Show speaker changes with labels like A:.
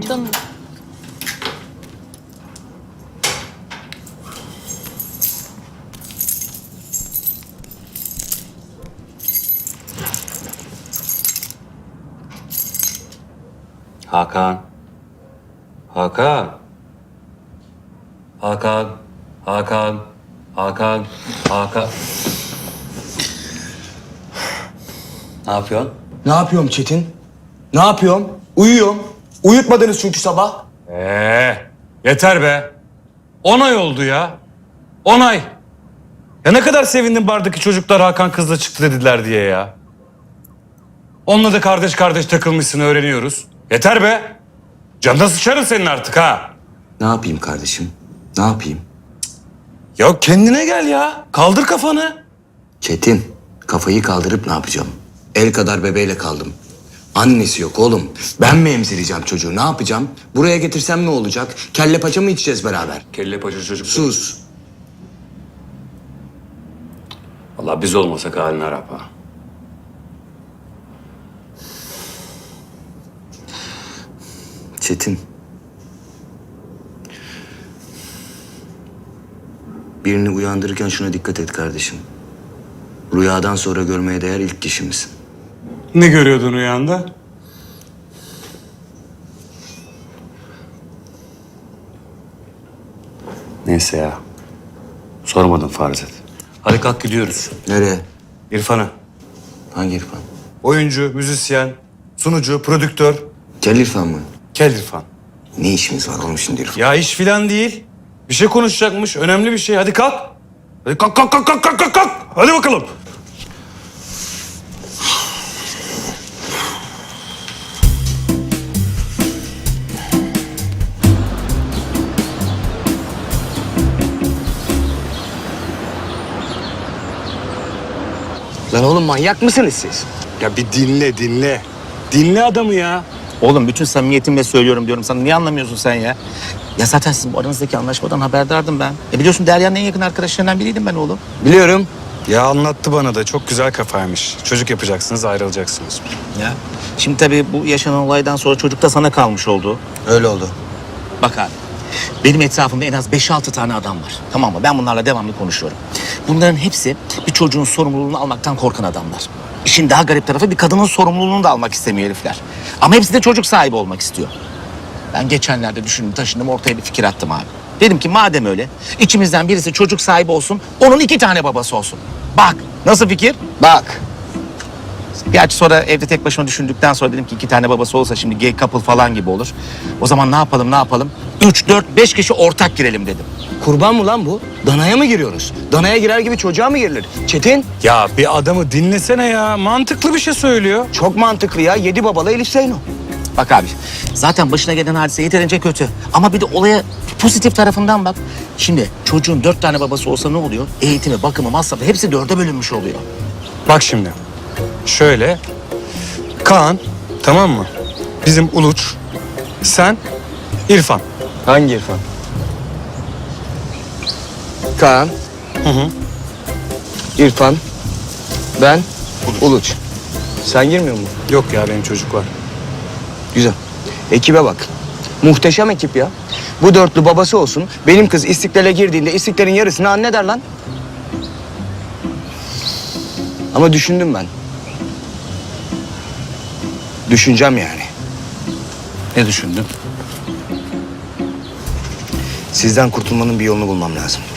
A: yaptın?
B: Hakan. Hakan. Hakan. Hakan. Hakan. Hakan. Ne yapıyorsun?
C: Ne yapıyorum Çetin? Ne yapıyorum? Uyuyorum. Uyutmadınız çünkü sabah.
B: Yeter be. 10 ay oldu ya. 10 ay. Ya ne kadar sevindim bardaki çocuklar Hakan kızla çıktı dediler diye ya. Onunla da kardeş kardeş takılmışsın öğreniyoruz. Yeter be. Canına sıçarım senin artık ha.
C: Ne yapayım kardeşim? Ne yapayım?
B: Ya kendine gel ya. Kaldır kafanı.
C: Çetin, kafayı kaldırıp ne yapacağım? El kadar bebeğiyle kaldım. Annesi yok oğlum. Ben mi emzireceğim çocuğu? Ne yapacağım? Buraya getirsem ne olacak? Kelle paça mı içeceğiz beraber?
B: Kelle paça çocuk.
C: Sus.
B: Vallahi biz olmasak halini Arap ha.
C: Çetin. Birini uyandırırken şuna dikkat et kardeşim. Rüyadan sonra görmeye değer ilk kişimizsin.
B: Ne görüyordun rüyanda? Neyse ya. Sormadım farz et. Hadi kalk gidiyoruz.
C: Nereye?
B: İrfan'a.
C: Hangi İrfan?
B: Oyuncu, müzisyen, sunucu, prodüktör.
C: Kel İrfan mı?
B: Kel İrfan.
C: Ne işimiz var oğlum şimdi İrfan?
B: Ya iş filan değil. Bir şey konuşacakmış. Önemli bir şey. Hadi kalk. Hadi kalk kalk kalk kalk kalk kalk, kalk. Hadi bakalım.
C: Lan oğlum manyak mısınız siz?
B: Ya bir dinle dinle. Dinle adamı ya.
D: Oğlum bütün samimiyetimle söylüyorum diyorum sana. Niye anlamıyorsun sen ya? Ya zaten sizin bu aranızdaki anlaşmadan haberdardım ben. Biliyorsun Derya'nın en yakın arkadaşlarından biriydim ben oğlum.
C: Biliyorum.
B: Ya anlattı bana da. Çok güzel kafaymış. Çocuk yapacaksınız, ayrılacaksınız.
D: Ya. Şimdi tabii bu yaşanan olaydan sonra çocuk da sana kalmış oldu.
C: Öyle oldu.
D: Bak abi. Benim etrafımda en az 5-6 tane adam var. Tamam mı? Ben bunlarla devamlı konuşuyorum. Bunların hepsi bir çocuğun sorumluluğunu almaktan korkan adamlar. İşin daha garip tarafı bir kadının sorumluluğunu da almak istemiyor herifler. Ama hepsi de çocuk sahibi olmak istiyor. Ben geçenlerde düşündüm, taşındım, ortaya bir fikir attım abi. Dedim ki madem öyle, içimizden birisi çocuk sahibi olsun, onun 2 tane babası olsun. Bak, nasıl fikir?
C: Bak.
D: Gerçi sonra evde tek başıma düşündükten sonra dedim ki 2 tane babası olsa şimdi gay couple falan gibi olur. O zaman ne yapalım? 3, 4, 5 kişi ortak girelim dedim.
C: Kurban mı lan bu? Danaya mı giriyoruz? Danaya girer gibi çocuğa mı girilir? Çetin,
B: Ya bir adamı dinlesene ya. Mantıklı bir şey söylüyor.
C: çok mantıklı ya. 7 babalı Elif Zeyno.
D: Bak abi, zaten başına gelen hadise yeterince kötü. Ama bir de olaya pozitif tarafından bak. Şimdi çocuğun 4 tane babası olsa ne oluyor? Eğitimi, bakımı, masrafı hepsi 4'e bölünmüş oluyor.
B: Bak şimdi. Şöyle. Kaan, tamam mı? Bizim Uluç. Sen, İrfan.
C: Hangi İrfan? Kaan. İrfan. Ben. Uluç. Sen girmiyor musun?
B: Yok ya benim çocuk var.
C: Güzel. Ekibe bak. Muhteşem ekip ya. Bu dörtlü babası olsun. Benim kız İstiklal'e girdiğinde İstiklal'in yarısını anne der lan. Ama düşündüm ben. Düşüneceğim yani.
D: Ne düşündün?
C: Sizden kurtulmanın bir yolunu bulmam lazım.